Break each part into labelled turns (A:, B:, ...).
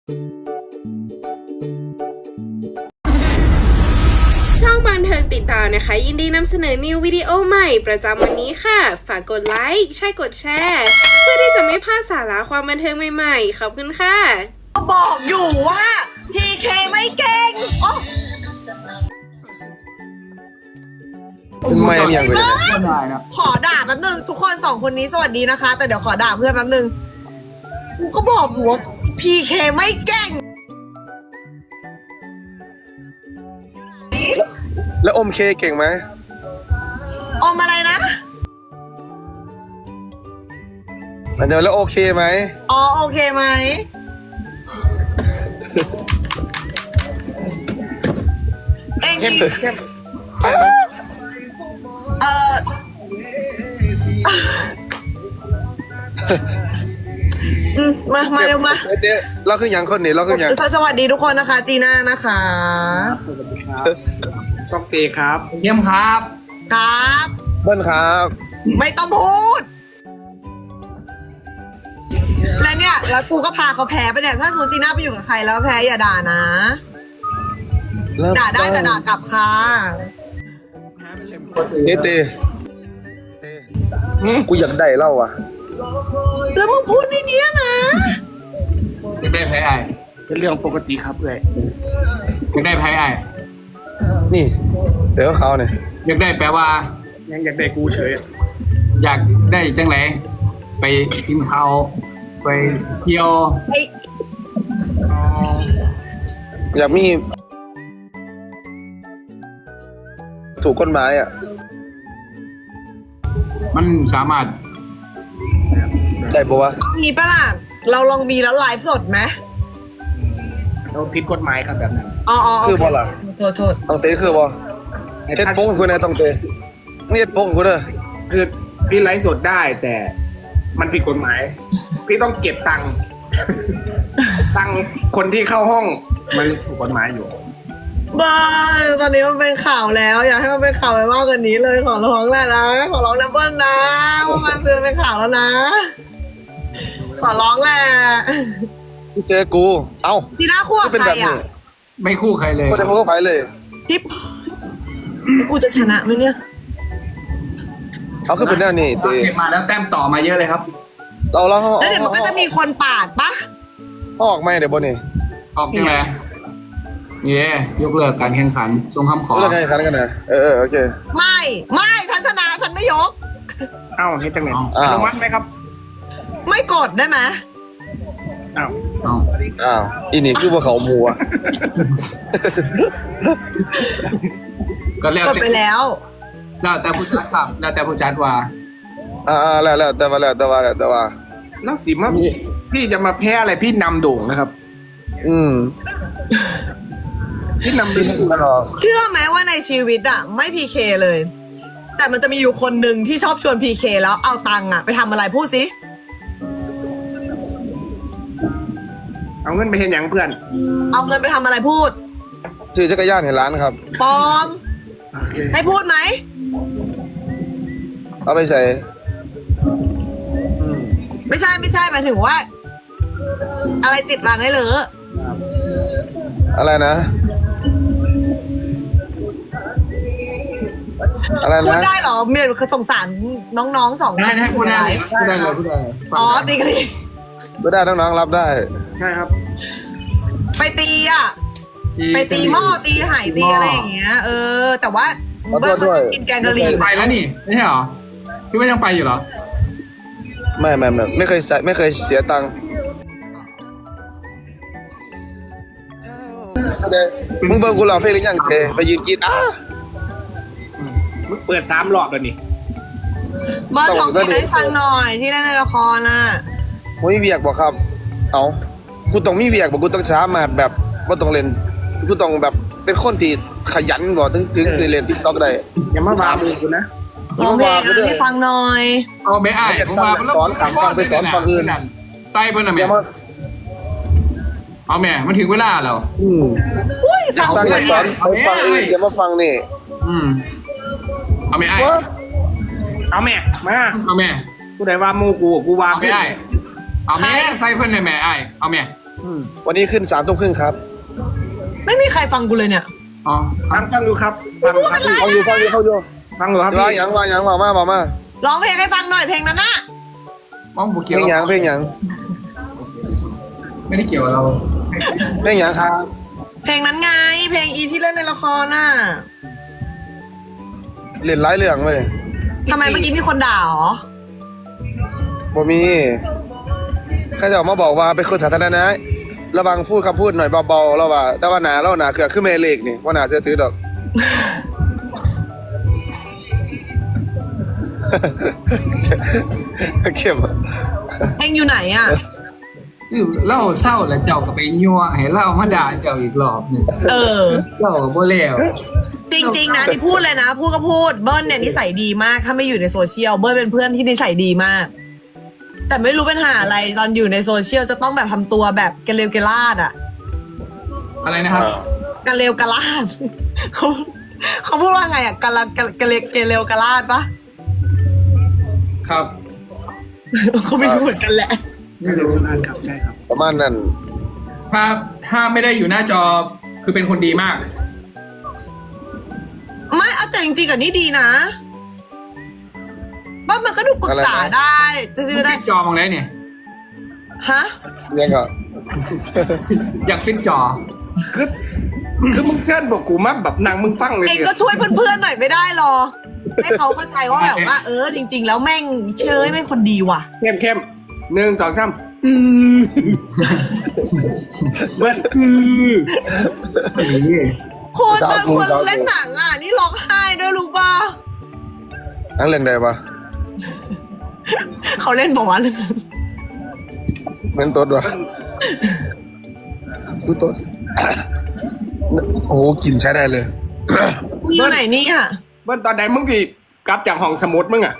A: ช่องบันเทิงติดตามนะคะยินดีนำเสนอนิววิดีโอใหม่ประจำวันนี้ค่ะฝากกดไลค์ใช่กดแชร์เพื่อที่จะไม่พลาดสาระความบันเทิงใหม่ๆขอบคุณค่ะ
B: ก็บอกอยู่ว่าพีเคไม่เก่งโอ้
C: ไม่ยังไปเลย
B: ขอด่าแป๊บนึงทุกคนสองคนนี้สวัสดีนะคะ แต่เดี๋ยวขอด่าเพื่อนแป๊บนึงกูก็บอกอยู่ว่าพีเคไม่เก่ง
C: แล้วอมเคเก่งไหม
B: อมอะไรนะ
C: มันจะแล้วโอเคไหม
B: อ๋อโอเคไหมเองดีมาเร็วมา
C: เดี๋ยวเราคืออย่างคนนี้เราคืออย่าง
B: สวัสดีทุกคนนะคะจีน่านะคะ
D: ต้องเตครับ
E: เยี่ยมครับ
B: ครับ
C: เบิ้ลครับ
B: ไม่ต้องพูด แล้วเนี่ยแล้วกูก็พาเขาแพ้ไปเนี่ยถ้าสมมติจีน่าไปอยู่กับใครแล้วแพ้อย่าด่านะ ด่าได้แต่ด่ากลับค่ะ
C: เต้กูอยากได้เล่าอ่ะ
B: แล้วมึงพูดในเนี้ยนะ
E: อยากได้ไพ่ไอ
D: เป็นเรื่องปกติครับเลย
E: อยากได้ไพ่ไอ
C: นี่เสือเขาเนี่ย
E: อยากได้แปลว่า
D: ยังอยากได้กูเฉย
E: อยากได้จังไหนไปกินข้าวไปเที่ยว
B: ไอ้
C: อยากมีถูกกฎหมายอ่ะ
E: มันสามารถ
C: ได้ปะวะ
B: มีปะล่ะเราลองมีแล้วไลฟ์สดไหม
D: เราผิดกฎหมายครับแบบนั้น
B: อ๋อ
C: คือบอลล่ะ
B: โทษ
C: ต้องเตะคือบอลเฮ็ดโป้งคุณนะต้องเตะไม่เฮ็ดโป้งคุณเด้อ
D: คือพี่ไลฟ์สดได้แต่มันผิดกฎหมาย พี่ต้องเก็บตังค์ ตังค์คนที่เข้าห้องมันถูกกฎหมายอยู่
B: บ้าตอนนี้มันเป็นข่าวแล้ว อยากให้มันเป็นข่าวไปมากกว่านี้เลยขอร้องแหละนะขอร้องนะเบิ้ลนะว่ามันซื้อเป็นข่าวแล้วนะ ขอร้องแหละ
C: เจอกูเอ้า
B: ทีน่าคู่กับ
C: เป็น
B: ใคร
C: แบบนี้
B: อ่ะ
E: ไม่คู่ใครเลย
C: ก็ได้พวกไปเลย
B: ทิปกูจะชนะไหมเนี่ย
C: เขาคือเป็นแนวนี้เตะ
E: เก็บมาแล้วแต้มต่อมาเยอะเลยครับ
C: เรา
B: แล้วเดี๋ยวมันก็จะมีคนปาดปะ
C: ออกไม่เดี๋ยวบนนี่
E: ออกจังไหนนี่ยกเลิกการแข่งขันส่งคำขอ
C: เรื่องไงคันกันนะโอเค
B: ไม่ฉันชนะฉันไม่ยก
D: เอ้าเฮ็ดจังไหน
C: อ้าว
D: อนุมัติไหมครับ
B: ไม่กดได้ไหม
D: เอ้า
E: เอา
C: อ้าวอีนี่คือว่าเขามัว
E: ก็แล้ว
B: กดไปแล้ว
E: แต่ผู้จัดครับแล้วแต่ผู้จัดว่า
C: แล้วแต่ว่า
D: แล้วสิมาพี่จะมาแพ้อะไรพี่นำโด่งนะครับ พี่นำ
C: ที่
D: โด่ง
C: นี่มันหรอ
B: เชื่อไหมว่าในชีวิตอะไม่พีเคเลย แต่มันจะมีอยู่คนหนึ่งที่ชอบชวนพีเคแล้วเอาตังค์อะไปทำอะไรพูดสิ
D: เอาเงินไปเห็นอย่างเพื่อน
B: เอาเงินไปทำอะไรพูด
C: ซื้อจักรยานให้ร้านครับ
B: ปลอม
D: โอเค
B: ให้พูดไหม
C: เอาไปใส่
B: ไม่ใช่หมายถึงว่า อะไรติดร้านได้เลย
C: อะไรนะ อะไร
B: พูด
C: นะ
B: ได้เหรอเมียสงสารน้องๆสองคน
E: ได้พูดได้เลยพูดได้เลยพูดได้เลย
B: อ๋อตีกันดิ
C: ไม่ได้น้องๆรับได้
D: ใช่ครับ
B: ไปตีอะไปตีหม้อตีไหตีอะไรอย่างเงี้ยแต่ว่า
C: ขอโท
B: เบิ้ล
C: ษด้วย
B: มันกินแกงกะหรี่
E: ไปแล้วนี่ไม่ใช่เหรอพี่ว่ายังไปอยู่เหรอ
C: ไม่เคยใส่ไม่เคยเสียตังค์มึงเบิ่งกูร้องเพลงหรือยังเจไปยืนกิน
D: มึงเปิด3 รอบแล้วนี่
B: เบิ้ลลองเพลงให้ฟังหน่อยที่เล่นในละครน่ะ
C: มึงมีเวียกบอกครับ เอากูต้องมีเวียกบอกกูต้องสามารถแบบว่าต้องเล่นกูต้องแบบเป็นคนที่ขยันบอกถึงเล่นทิกตอกได้
D: อย่ามาว่ามือกูนะ
B: ลองเพลงให้ฟังหน่อย
E: เอาไม่อ้ายผมมา
C: สอนขังฟังไปสอนฝั่งอื่น
E: ใส่เพิ่นน่ะ
C: อ
E: แม่
C: ย่ามา
E: เอาแม่มันถึงเวลาแล้ว
B: อุ้ยฟัง
C: ฟัง
B: เพล
C: แต่
B: ง
C: สอนฟังอื่นอย่ามาฟังนี่
E: เอาแม่อ้าย
C: วะ
D: เอาแม่มา
E: เอาแม่
D: กูได้ว่ามูกูว่า
E: เอาแม่
D: เพื่อน
E: อ้ายเอาแม่ใส่เพิ่นเลยแม่อ้ายเอาแม่
C: วันนี้ขึ้น3 ทุ่มครึ่งครับ
B: ไม่มีใครฟังกูเลยเนี่ย
E: อ๋อ
D: ฟังดูครับฟังครับพี่
C: ฟังอยู่
D: ฟังดูครับ
C: ว่า
D: พี่
C: หยังบอกมา
B: ร้องเพลงให้ฟังหน่อยเพลงนั้นน่ะ
E: มองบุก
C: เพ
E: เกี่ยว
C: ลงหยัง
E: ไม่ได้เกี่ยวกับเรา
C: เพลงหยังครับ
B: เพลงนั้นไง เพลงอีที่เล่นในละครน่ะ
C: เล่นหลายเรื่องเลย
B: ทำไมเมื่อกี้มีคนด่าเหรอ
C: บ่มีข้าจะออกมาบอกว่าเป็นคนสาธารณะระวังพูดคำพูดหน่อยเบาๆแล้วว่าแต่ว่าหนาเราหนาเกือคือเมเล็กนี่ว่าหนาเสื้อถือดอก เข้มอะ
B: เองอยู่ไหนอ่ะ
E: คือเล่าเศร้าแล้วเจ้าก็ไปยั่วให้เล่ามาด่าเจ้าอีกรอบหนึ่ง
B: เออ
E: เจ้าก็บ่แล้ว
B: จริงๆนะที่พูดเลยนะ พูดก็พูดเบิ้ลเนี่ยนิสัยดีมาก ถ้าไม่อยู่ในโซเชียลเบิ้ลเป็นเพื่อนที่นิสัยดีมาก แต่ไม่รู้ปัญหาอะไรตอนอยู่ในโซเชียลจะต้องแบบทำตัวแบบกระเลวกระลาดอ่ะ
E: อะไรนะครับ
B: กระเลวกระลาด เขาพูดว่าไงอ่ะกระเลวกระลาดปะ
E: ครับ
B: เขาไม่รู้เหมือนกันแหละ
E: ไม่รู้
D: ครับใช่ครับ
C: ประมาณนั้น
E: ถ้าไม่ได้อยู่หน้าจอคือเป็นคนดีมาก
B: ไม่เอาแต่จริงๆกับนี่ดีนะบ้านมันก็ดูปรึกษาได้ซื้อได้
E: จอมองได้เนี่ย
B: ฮะ
C: ยังก็
E: อยากเป็นจอ
D: คือมึงเชิญบอกกูมาแบบนางมึงฟังเลย
B: เองก็ช่วยเพื่อนๆหน่อยไม่ได้หรอ ให้เขาเข้าใจว่าแบบว่า จริง ๆ แล้วแม่งเชยแม่งคนดีว่ะ
D: เข้ม1 2 3เบิ้ล
B: คนบางคนเล่นหนังอ่ะ นี่ร้องไห้ด้วยรู้ป่ะ
C: นั่งเรื่องใดปะ
B: เขาเล่นบอกว่าเรื่องนั้น
C: เงินต้นวะกูต้น โอ้โหกลิ่นใช้ได้เลย
B: มีอยู่ไหนนี่อ่ะ
D: เบิ้ลตอนไหนมึงกี่กลับจากห้องสมุดมึงอ่ะ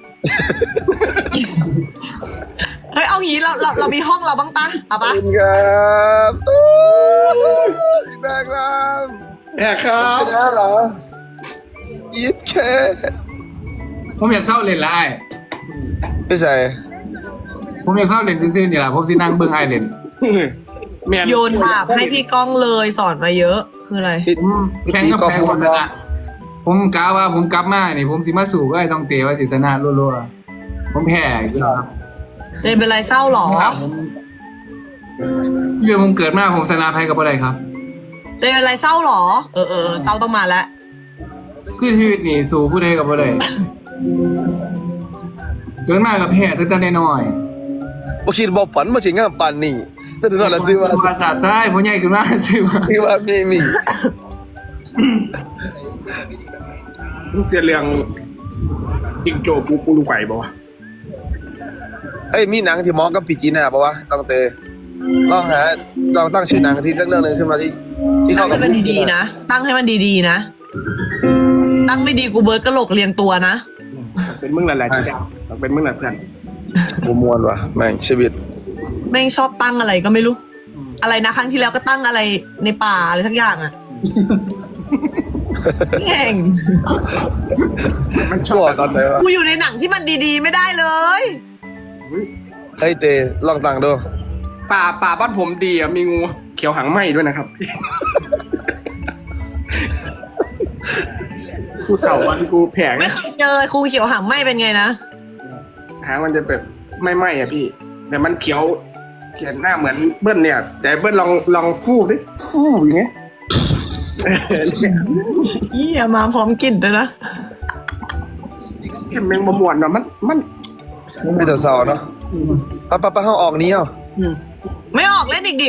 B: เฮ้ยเอางี้เรามีห้องเราบ้างปะเอาปะ
C: ขอบคุณครับแบกราม
D: แย่ครับ
C: ชนะเหรอยิดแค่
E: ผมอยากเศร้าเล่นละไอ้
C: ไม่ใส่
E: ผมอยากเศร้าเล่นซื่อๆนี่แหละผมสินั่งเบิ่งไอ้เล่น
D: แม่น
B: โยนถามให้พี่ก้องเลยสอนมาเยอะคืออะไร
E: แข่งกับแพ้คนละผมกะว่าผมกลับมานี่ผมสิมาสู่ก็ไอ้ต้องเตะว่าสิชนะรัวๆผมแพ้อีกแล้วครับ
B: เจนเป็นไรเศร้าหรอ
E: เรื่องผมเกิดมาผมชนะแพ้กับอะไรครับ
B: เจนเป็นไรเศร้าหรอ เออเศร้าต้องมาแล้ว
E: คือชีวิตนี่สู่ผู้ใดกับอะไรเกิดมากับแพ้ตั้งแต่น้อย
C: บ่คิดบ่ฝันมาถึงงามปานนี้แต่ถึงนั่นละซื้อว่า
E: ภาษาใต้ผมใหญ่ขึ้นมาซื้อว่า
C: ซื้อว่ามี
D: มึงเสียเรื่องจิงโจ้กูรู้ไหวบ่วะ
C: เอ้ยมีหนังที่เหมองกับปีจีน่าป่าวะต้องเตลองตั้งชื่อหนังที่เรื่องนึงขึ้นมาที่
B: ตั้
C: เข้าง กั
B: ให้
C: บ
B: มันดีๆนะ ตั้งให้มันดีๆนะ ตั้งไม่ดีกูเบิร์ดกระโหลกเรียงตัวนะ
D: เป็นมึงแหละที่ดาวเป็นมึงแหละเพื่อน
C: กูมวนว่ะแม่งชีวิต
B: แม่งชอบตั้งอะไรก็ไม่รู้ อะไรนะครั้งที่แล้วก็ตั้งอะไรในป่าอะไรทั้งอย่างอ่ะ แม่ง
D: มันช
C: ชั่
D: อ
C: ว
D: บ
C: ตอนไหนวะ
B: กูอยู่ในหนังที่มันดีๆไม่ได้เลย
C: เฮ้ยเตลองตั้งดู
D: ป่าบ้านผมดีอ่ะมีงูเขียวหางไหมด้วยนะครับกูเสาร์วันกูแผง
B: ไม่เคยเจอครูเขียวหางไหมเป็นไงนะ
D: หางมันจะแบบไม่ไหมอ่ะพี่ แต่มันเขียวหน้าเหมือนเบิ้ลเนี่ย แต่เบิ้ลลองฟูดิฟูอย่างเงี้ย
B: ยี่ยมาพร้อมกลิ่นเลยนะ
D: เห็นแมงบะมวนเนาะมัน
C: ไม่แต่เศร้าเนาะปะห้องออกนี้เอา
B: ไม่ออกเล่นอีกดิ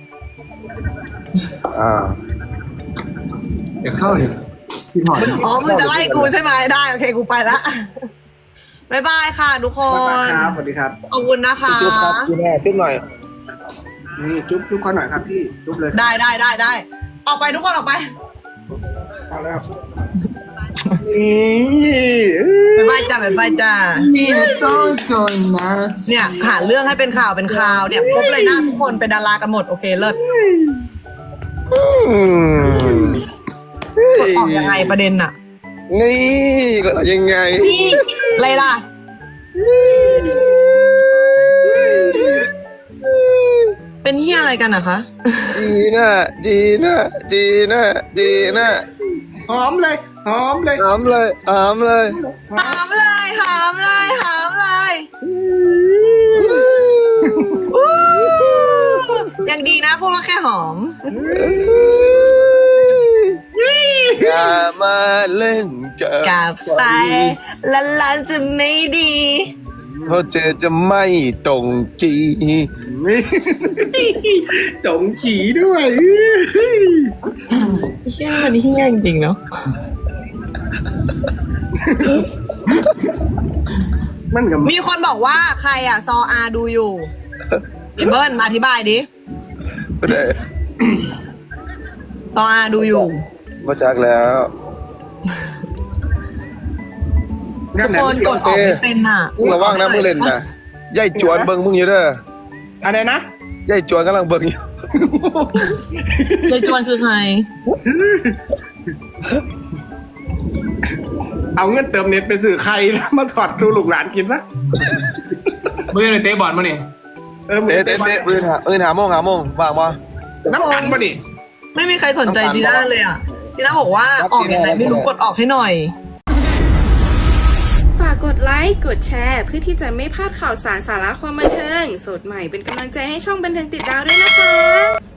E: อยากเข้าเลยพี่หอด
B: อ๋อมึงจะไล่กูใช่ไหมได้โอเคกูไปละบ๊ายบายค่ะทุกคน
D: ครับสวัสดีครับ
B: ขอบคุณนะคะ
C: จุ๊บครับจุ๊บแม่จุ๊บหน่อย
D: นี่จุ๊บเขาหน่อยครับพี่จุ๊บเลย
B: ได้ออกไปทุกคนออกไป
D: เอาแล้วครับ
B: บ๊ายบายจ้า
E: นี่ต้องจนนะ
B: เนี่ยหาเรื่องให้เป็นข่าวเนี่ยครบเลยหน้าทุกคนเป็นดารากันหมดโอเคเลิศออกยังไงประเด็นน่ะ
C: นี่ก็ยังไง
B: นี่อะไรล่ะเป็นเฮียอะไรกันอะคะ
C: จีน่าจีน่าจีน่าจีน่า
D: หอมเลยหอมเลย
C: หามเลยหามเลย
B: หามเลยหามเลยหามเลยอู้ยังดีนะพูดว่าแค่หอม
C: อย่ามาเล่นกับ
B: กับไฟลันจะไม่ดี
C: เพราะเธอจะไม่ตรงกี
D: จงขี่ด้วย
B: เชี่ยมันเฮี้ยจริงๆเนาะ
D: มันกับ
B: มีคนบอกว่าใครอะซออาดูอยู่เบิ้ลมาอธิบายดิ
C: ไม่ได้
B: ซออาดูอยู่
C: มาจากแล้ว
B: ทุกคนกดออกไม่เป็นอะ
C: มึงระวังนะมึงเล่นนะยายจวนเบิ่งมึงอยู่เด้อ
D: อะไรนะ
C: ยายจวนกำลังเบิ่งอยู่
B: ยายจวนคือใคร
D: เอาเงินเติมเน็ตไปสื่อใครแล้วมาถอดดูลูกหลานกินปะ
E: มือในเตะบอลมาเนี่ย
D: มื
C: เตะอื่นหาโมงว่างปะ
D: น้ำกันปะนี่
B: ไม่มีใครสนใจจีน่าเลยอะจีน่าบอกว่าออกยังไงไม่รู้กดออกให้หน่อย
A: ฝากกดไลค์ กดแชร์ เพื่อที่จะไม่พลาดข่าวสารสาระความบันเทิง สดใหม่เป็นกำลังใจให้ช่องบันเทิงติดดาวด้วยนะคะ